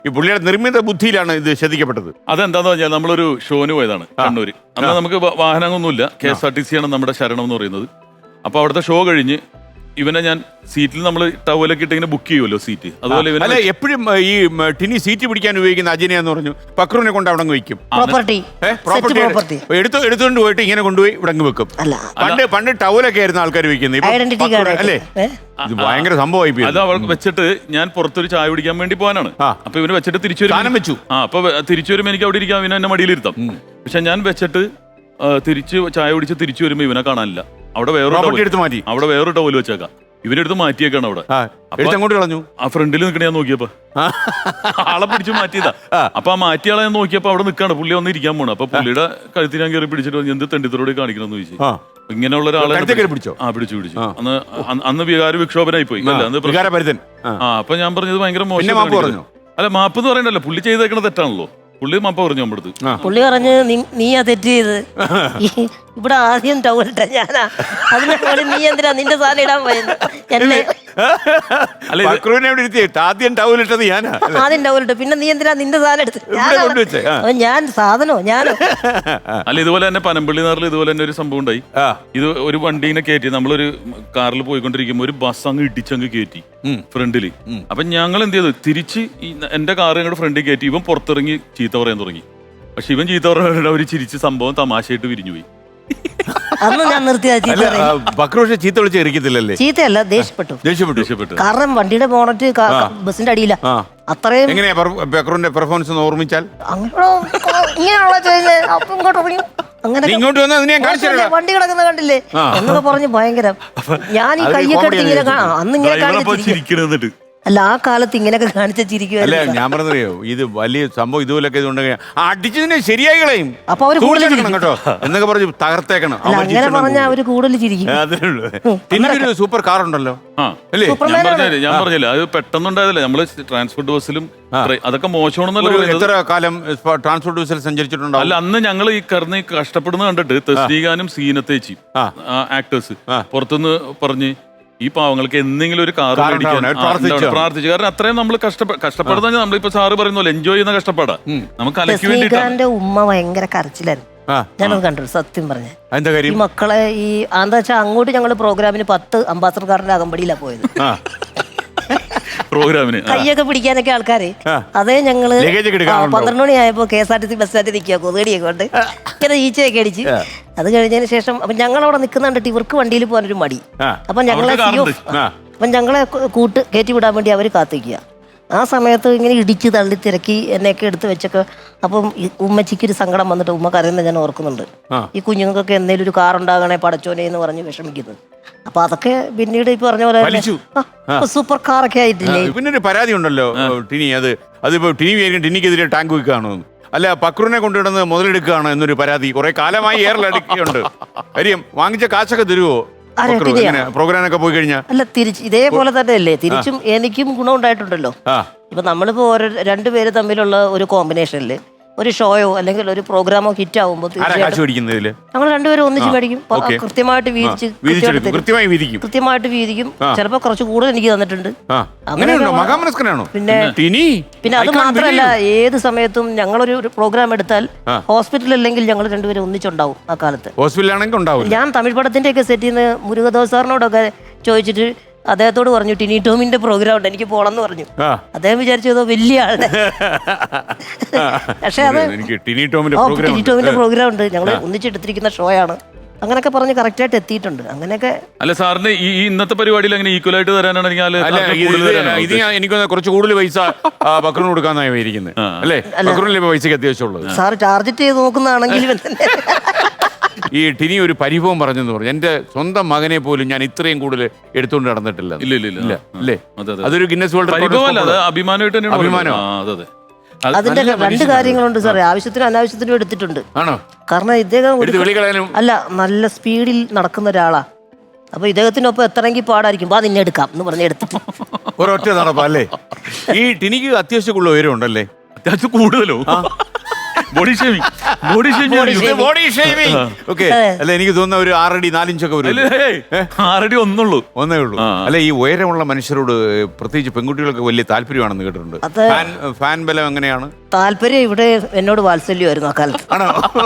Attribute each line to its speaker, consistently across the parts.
Speaker 1: ഈ പുള്ളിയുടെ നിർമ്മിത ബുദ്ധിയിലാണ് ഇത് ശ്രദ്ധിക്കപ്പെട്ടത്.
Speaker 2: അതെന്താന്ന് പറഞ്ഞാൽ നമ്മളൊരു ഷോന് പോയതാണ് കണ്ണൂര്. അന്ന് നമുക്ക് വാഹനമൊന്നുമില്ല, KSRTC ആണ് നമ്മുടെ ശരണം എന്ന് പറയുന്നത്. അപ്പൊ അവിടുത്തെ ഷോ കഴിഞ്ഞ് ഇവനെ ഞാൻ സീറ്റിൽ നമ്മൾ ടവലൊക്കെ ഇട്ട് ഇങ്ങനെ ബുക്ക് ചെയ്യുമല്ലോ സീറ്റ്, അതുപോലെ
Speaker 1: അല്ല എപ്പോഴും ഈ ടിനി സീറ്റ് പിടിക്കാൻ ഉപയോഗിക്കുന്ന അജിനെന്ന് പറഞ്ഞു പക്രുവിനെ കൊണ്ട് അവിടെ വെക്കും.
Speaker 3: പ്രോപ്പർട്ടി
Speaker 1: എടുത്തുകൊണ്ട് പോയിട്ട് ഇങ്ങനെ കൊണ്ടുപോയി ഇവിടെ വെക്കും. പണ്ട് ടവലൊക്കെ ആയിരുന്നു ആൾക്കാർ വെക്കുന്നത്, അല്ലേ? ഇത് ഭയങ്കര സംഭവമായി.
Speaker 2: അത് അവൾക്ക് വെച്ചിട്ട് ഞാൻ പുറത്തൊരു ചായ കുടിക്കാൻ വേണ്ടി പോകാനാണ്. അപ്പൊ ഇവന് വെച്ചിട്ട് തിരിച്ചു
Speaker 1: വെച്ചു.
Speaker 2: അപ്പൊ തിരിച്ചു വരുമ്പോ എനിക്ക് അവിടെ ഇരിക്കാം, ഇവനെ എന്നെ മടിയിലിരുത്താം. പക്ഷെ ഞാൻ വെച്ചിട്ട് തിരിച്ച് ചായ കുടിച്ച് തിരിച്ചു വരുമ്പോ ഇവനെ കാണാനില്ല. അവിടെ വേറൊരു ടവൽ വെച്ചേക്കാം, ഇവരെടുത്ത് മാറ്റിയേക്കാണ് അവിടെ.
Speaker 1: അങ്ങോട്ട് കളഞ്ഞു.
Speaker 2: ആ ഫ്രണ്ടിൽ നിൽക്കണ ഞാൻ നോക്കിയപ്പോ ആളെ പിടിച്ച് മാറ്റിയതാ. അപ്പൊ ആ മാറ്റിയാളെ ഞാൻ നോക്കിയപ്പോ അവിടെ നിൽക്കാണ്, പുള്ളി വന്ന് ഇരിക്കാൻ പോണു. അപ്പൊ പുള്ളിയുടെ കഴുത്തിൽ ഞാൻ കയറി പിടിച്ചിട്ട് എന്ത് തെണ്ടിത്തരോട് കാണിക്കണമെന്ന് ചോദിച്ചു. ഇങ്ങനെയുള്ള ഒരാളെ പിടിച്ചു. അന്ന് വികാര വിക്ഷോഭനായി പോയി. അപ്പൊ ഞാൻ പറഞ്ഞത് ഭയങ്കര മോശം. അല്ല മാപ്പ് എന്ന് പറയണ്ടല്ലോ, പുള്ളി ചെയ്തേക്കണ തെറ്റാണല്ലോ. പുള്ളി മാപ്പ പറഞ്ഞു നമ്മുടെ അടുത്ത്.
Speaker 3: പുള്ളി പറഞ്ഞ് നീയാ തെറ്റ് ചെയ്ത്, ഇവിടെ ആദ്യം ടൗലിട്ട ഞാനാ, അതിനെ പോലെ നീ എന്തിനാ നിന്റെ സാധനം ഇടാൻ പോയത്? എന്നെ
Speaker 1: ആദ്യം ടൗലിട്ടത് ഞാനാ,
Speaker 3: ആദ്യം ടൗലിട്ട് പിന്നെ നീ എന്തിനാ നിന്റെ സാധനം എടുത്ത്? ഞാൻ സാധനോ ഞാനോ?
Speaker 2: അല്ല ഇതുപോലെ തന്നെ പനമ്പള്ളി നാറിൽ ഇതുപോലെ തന്നെ ഒരു സംഭവം ഉണ്ടായി. ഇത് ഒരു വണ്ടീനെ കയറ്റി, നമ്മളൊരു കാറിൽ പോയിക്കൊണ്ടിരിക്കുമ്പോ ഒരു ബസ് അങ്ങ് ഇടിച്ചങ്ങ് കയറ്റി ഫ്രണ്ടില്. അപ്പൊ ഞങ്ങൾ എന്ത് ചെയ്തു, തിരിച്ച് എന്റെ കാർ ഞങ്ങളുടെ ഫ്രണ്ടിൽ കയറ്റി. ഇവൻ പുറത്തിറങ്ങി ചീത്ത പറയാൻ തുടങ്ങി. പക്ഷെ ഇവൻ ചീത്ത പറയാൻ അവർ ചിരിച്ച് സംഭവം തമാശയായിട്ട് വിരിഞ്ഞുപോയി.
Speaker 3: അന്ന് ഞാൻ നിർത്തിയ
Speaker 1: ചീത്ത വിളിച്ച് എറിക്കത്തില്ലല്ലേ?
Speaker 3: ചീത്തയല്ല, ദേഷ്യപ്പെട്ടു. കാരണം വണ്ടിയുടെ ബോണറ്റ് ബസിന്റെ അടിയില. അത്രയും
Speaker 1: എങ്ങനെയാ ബക്രൂന്റെ പെർഫോമൻസ് ഒന്ന് ഓർമ്മിച്ചാൽ?
Speaker 3: അങ്ങനെ വണ്ടി കിടക്കുന്ന കണ്ടില്ലേ എന്നൊക്കെ പറഞ്ഞ് ഭയങ്കര. ഞാൻ ഈ കയ്യൊക്കെ എടുത്ത് ഇങ്ങനെ അന്ന് ഇങ്ങനെ കാണിച്ചിരിക്കും. അല്ല ആ കാലത്ത് ഇങ്ങനെയൊക്കെ കാണിച്ച ചിരിക്കുവല്ലേ.
Speaker 1: ഞാൻ പറഞ്ഞറിയോ, ഇത് വലിയ സംഭവം ഇതുപോലൊക്കെ ഇതുണ്ടെങ്കിൽ അടിച്ചതിനെ ശരിയായി കളയും.
Speaker 3: അപ്പൊ അവര്
Speaker 1: കേട്ടോ എന്നൊക്കെ പറഞ്ഞു തകർത്തേക്കണം.
Speaker 3: അങ്ങനെ പറഞ്ഞാൽ അവര് കൂടുതൽ ചിരിക്കും.
Speaker 1: അതിനുള്ളൂ. സൂപ്പർ കാർ ഉണ്ടല്ലോ,
Speaker 2: ഞാൻ പറഞ്ഞില്ല, അത് പെട്ടെന്നുണ്ടായതല്ലേ. നമ്മള് ട്രാൻസ്പോർട്ട് ബസ്സിലും അതൊക്കെ മോശമാണെന്നല്ലോ.
Speaker 1: എത്ര കാലം ട്രാൻസ്പോർട്ട് ബസ്സിൽ സഞ്ചരിച്ചിട്ടുണ്ടോ?
Speaker 2: അല്ല അന്ന് ഞങ്ങൾ ഈ കറന്ന് കഷ്ടപ്പെടുന്ന കണ്ടിട്ട് തസ്നീഖാനും സീനത്തേച്ചി ആക്ടേഴ്സ് പുറത്തുനിന്ന് പറഞ്ഞ് ഈ പാവങ്ങൾക്ക് എന്തെങ്കിലും ഒരു കാർ പ്രാർത്ഥിച്ചു. കാരണം അത്രയും നമ്മൾ കഷ്ടപ്പെടുന്ന നമ്മളിപ്പോ സാറ് പറയുന്ന എൻജോയ് ചെയ്യുന്ന കഷ്ടപ്പാടാ നമുക്ക് അലക്കി വേണ്ടിട്ട്.
Speaker 3: ഉമ്മ ഭയങ്കര കരച്ചിലായിരുന്നു, ഞാനത് കണ്ടു സത്യം പറഞ്ഞ. ഈ മക്കളെ ഈ എന്താ വെച്ചാൽ അങ്ങോട്ട് ഞങ്ങള് പ്രോഗ്രാമിന് 10 അംബാസഡർ കാറിന്റെ അകമ്പടിയിലാ പോയത്.
Speaker 2: പ്രോഗ്രാമിന്
Speaker 3: കയ്യൊക്കെ പിടിക്കാനൊക്കെ ആൾക്കാര്. അതേ ഞങ്ങള് 12 മണിയായപ്പോ KSRTC ബസ് സ്റ്റാൻഡിൽ നിൽക്കുക, കൊതുകടിയൊക്കെ കൊണ്ട് ഇങ്ങനെ ഈച്ചയൊക്കെ അടിച്ച്. അത് കഴിഞ്ഞതിന് ശേഷം അപ്പൊ ഞങ്ങളവിടെ നിൽക്കുന്ന കണ്ടിട്ട് ഇവർക്ക് വണ്ടിയിൽ പോകാനൊരു മടി. അപ്പൊ ഞങ്ങളെ കൂട്ട് കയറ്റി വിടാൻ വേണ്ടി അവര് കാത്തിക്കുക. ആ സമയത്ത് ഇങ്ങനെ ഇടിച്ച് തള്ളി തിരക്കി എന്നെയൊക്കെ എടുത്ത് വെച്ചൊക്കെ. അപ്പം ഉമ്മച്ചിക്ക് ഒരു സങ്കടം വന്നിട്ട് ഉമ്മ കരയുന്നത് ഞാൻ ഓർക്കുന്നുണ്ട്. ഈ കുഞ്ഞുങ്ങൾക്കൊക്കെ എന്തെങ്കിലും ഒരു കാർ ഉണ്ടാകണേ പടച്ചോനെ എന്ന് പറഞ്ഞ് വിഷമിക്കുന്നത്. അപ്പൊ അതൊക്കെ പിന്നീട് ഇപ്പൊ പറഞ്ഞ പോലെ സൂപ്പർ കാറൊക്കെ ആയിട്ടില്ലേ.
Speaker 1: പിന്നെ ഒരു പരാതി ഉണ്ടല്ലോ ടിനി, അതിപ്പോ ടിനിക്കെതിരെ ടാങ്ക് വെക്കുകയാണോ, അല്ല പക്രൂനെ കൊണ്ടുവിടുന്നത് മുതലെടുക്കുകയാണ് എന്നൊരു പരാതി കുറെ കാലമായി ഏറെടുക്കുന്നുണ്ട്. കാര്യം വാങ്ങിച്ച കാശൊക്കെ തരുവോ പ്രോഗ്രാമൊക്കെ പോയി കഴിഞ്ഞാൽ?
Speaker 3: അല്ല തിരിച്ച് ഇതേപോലെ തന്നെ അല്ലേ തിരിച്ചും എനിക്കും ഗുണം ഉണ്ടായിട്ടുണ്ടല്ലോ. ഇപ്പൊ നമ്മളിപ്പോ രണ്ടുപേര് തമ്മിലുള്ള ഒരു കോമ്പിനേഷനില് ഒരു ഷോയോ അല്ലെങ്കിൽ ഒരു പ്രോഗ്രാമോ ഹിറ്റ് ആവുമ്പോൾ ഞങ്ങൾ രണ്ടുപേരും ഒന്നിച്ച് മേടിക്കും. കൃത്യമായിട്ട് വീതിക്കും. ചിലപ്പോ കുറച്ച് കൂടുതൽ എനിക്ക് തന്നിട്ടുണ്ട്. പിന്നെ അത് മാത്രമല്ല, ഏത് സമയത്തും ഞങ്ങളൊരു പ്രോഗ്രാം എടുത്താൽ ഹോസ്പിറ്റൽ അല്ലെങ്കിൽ ഞങ്ങൾ രണ്ടുപേരും ഒന്നിച്ചുണ്ടാവും. ആ കാലത്ത് ഞാൻ തമിഴ് പടത്തിന്റെ ഒക്കെ സെറ്റിൽ നിന്ന് മുരുകദോസ് സാറിനോടൊക്കെ ചോദിച്ചിട്ട് അദ്ദേഹത്തോട് പറഞ്ഞു ടിനി ടോമിന്റെ പ്രോഗ്രാം ഉണ്ട് എനിക്ക് പോണെന്ന് പറഞ്ഞു. അദ്ദേഹം വിചാരിച്ചതോ വലിയ ആളുടെ. പക്ഷെ അത് ടിനി ടോമിന്റെ പ്രോഗ്രാം ഉണ്ട്, ഞങ്ങൾ ഒന്നിച്ചെടുത്തിരിക്കുന്ന ഷോ ആണ്. അങ്ങനെയൊക്കെ പറഞ്ഞ് കറക്റ്റ് ആയിട്ട് എത്തിയിട്ടുണ്ട്. അങ്ങനെയൊക്കെ.
Speaker 2: അല്ല സാറിന് ഈ ഇന്നത്തെ പരിപാടിയിൽ അങ്ങനെ ഈക്വൽ ആയിട്ട് തരാനാണ്
Speaker 1: എനിക്ക് കുറച്ച് കൂടുതൽ പൈസ ബക്രൂന് കൊടുക്കാന്നാണ് ഇരിക്കുന്നത് അല്ലേ? ബക്രൂനിലെ പൈസക്ക് അത്യാവശ്യമുള്ളത്.
Speaker 3: സാർ ടാർഗറ്റ് ചെയ്ത് നോക്കുന്നതാണെങ്കിൽ
Speaker 1: ഈ ടിനി ഒരു പരിഭവം പറഞ്ഞെന്ന് പറഞ്ഞു, എന്റെ സ്വന്തം മകനെ പോലും ഞാൻ ഇത്രയും കൂടുതൽ എടുത്തുകൊണ്ട് നടന്നിട്ടില്ല. അല്ലേ? അതൊരു ഗിന്നസ് വേൾഡ്
Speaker 2: അഭിമാനം.
Speaker 3: അതിന്റെ 2 കാര്യങ്ങളുണ്ട് സാറേ. ആവശ്യത്തിനും അനാവശ്യത്തിനും എടുത്തിട്ടുണ്ട്. കാരണം ഇദ്ദേഹം അല്ല നല്ല സ്പീഡിൽ നടക്കുന്ന ഒരാളാ. അപ്പൊ ഇദ്ദേഹത്തിനൊപ്പം എത്തണമെങ്കിൽ പാടായിരിക്കും. നിന്നെ എടുക്കാം എന്ന് പറഞ്ഞ് എടുത്തിട്ട്
Speaker 1: ഒരൊറ്റ നടപ്പല്ലേ. ഈ ടിനിക്ക് അത്യാവശ്യം ഉയരം ഉണ്ടല്ലേ?
Speaker 2: അത്യാവശ്യം കൂടുതലോ? Body shaving body shaming
Speaker 1: body shaming. Okay. അല്ല എനിക്ക് തോന്നുന്ന ഒരു 6 അടി 4 ഇഞ്ചൊക്കെ വരും.
Speaker 2: 6 അടി ഒന്നേ ഉള്ളൂ.
Speaker 1: അല്ല ഈ ഉയരമുള്ള മനുഷ്യരോട് പ്രത്യേകിച്ച് പെൺകുട്ടികൾക്ക് വലിയ താല്പര്യമാണെന്ന് കേട്ടിട്ടുണ്ട്. ഫാൻ ബലം എങ്ങനെയാണ്?
Speaker 3: താല്പര്യം ഇവിടെ എന്നോട് വാത്സല്യമായിരുന്നു ആ കാലത്ത്.
Speaker 1: ആണോ?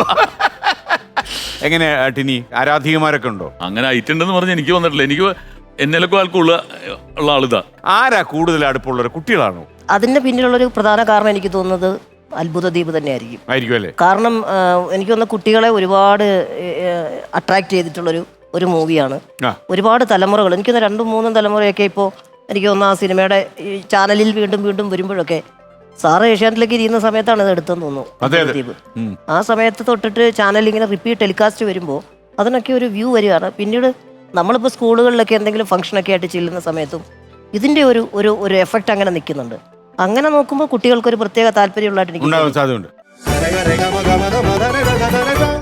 Speaker 1: എങ്ങനെ ടിനി ആരാധികമാരൊക്കെ ഉണ്ടോ?
Speaker 2: അങ്ങനെ ആയിട്ടുണ്ടെന്ന് പറഞ്ഞ് എനിക്ക് വന്നിട്ടില്ല. എനിക്ക് എന്നേലൊക്കെ ആൾക്കുള്ള ആളിതാ.
Speaker 1: ആരാ കൂടുതൽ അടുപ്പമുള്ളവർ? കുട്ടികളാണോ?
Speaker 3: അതിന്റെ പിന്നിലുള്ളൊരു പ്രധാന കാരണം എനിക്ക് തോന്നുന്നത് അത്ഭുത ദ്വീപ് തന്നെയായിരിക്കും.
Speaker 1: ആയിരിക്കും അല്ലേ?
Speaker 3: കാരണം എനിക്ക് തോന്നുന്ന കുട്ടികളെ ഒരുപാട് അട്രാക്ട് ചെയ്തിട്ടുള്ളൊരു ഒരു മൂവിയാണ്. ഒരുപാട് തലമുറകൾ, എനിക്ക് തോന്നുന്നു 2-3 തലമുറയൊക്കെ ഇപ്പോൾ എനിക്ക് തോന്നുന്നു ആ സിനിമയുടെ ഈ ചാനലിൽ വീണ്ടും വീണ്ടും വരുമ്പോഴൊക്കെ സാറ് ഏഷ്യാനെറ്റിലേക്ക് ഇരിക്കുന്ന സമയത്താണ് ഇത് എടുത്തെന്ന് തോന്നുന്നു ദ്വീപ്. ആ സമയത്ത് തൊട്ടിട്ട് ചാനൽ ഇങ്ങനെ റിപ്പീറ്റ് ടെലികാസ്റ്റ് വരുമ്പോൾ അതിനൊക്കെ ഒരു വ്യൂ വരികയാണ്. പിന്നീട് നമ്മളിപ്പോൾ സ്കൂളുകളിലൊക്കെ എന്തെങ്കിലും ഫംഗ്ഷനൊക്കെ ആയിട്ട് ചെല്ലുന്ന സമയത്തും ഇതിന്റെ ഒരു എഫക്റ്റ് അങ്ങനെ നിൽക്കുന്നുണ്ട്. അങ്ങനെ നോക്കുമ്പോൾ കുട്ടികൾക്ക് ഒരു പ്രത്യേക താല്പര്യമുള്ളതായിട്ട് എനിക്ക്
Speaker 1: സാധ്യതയുണ്ട്.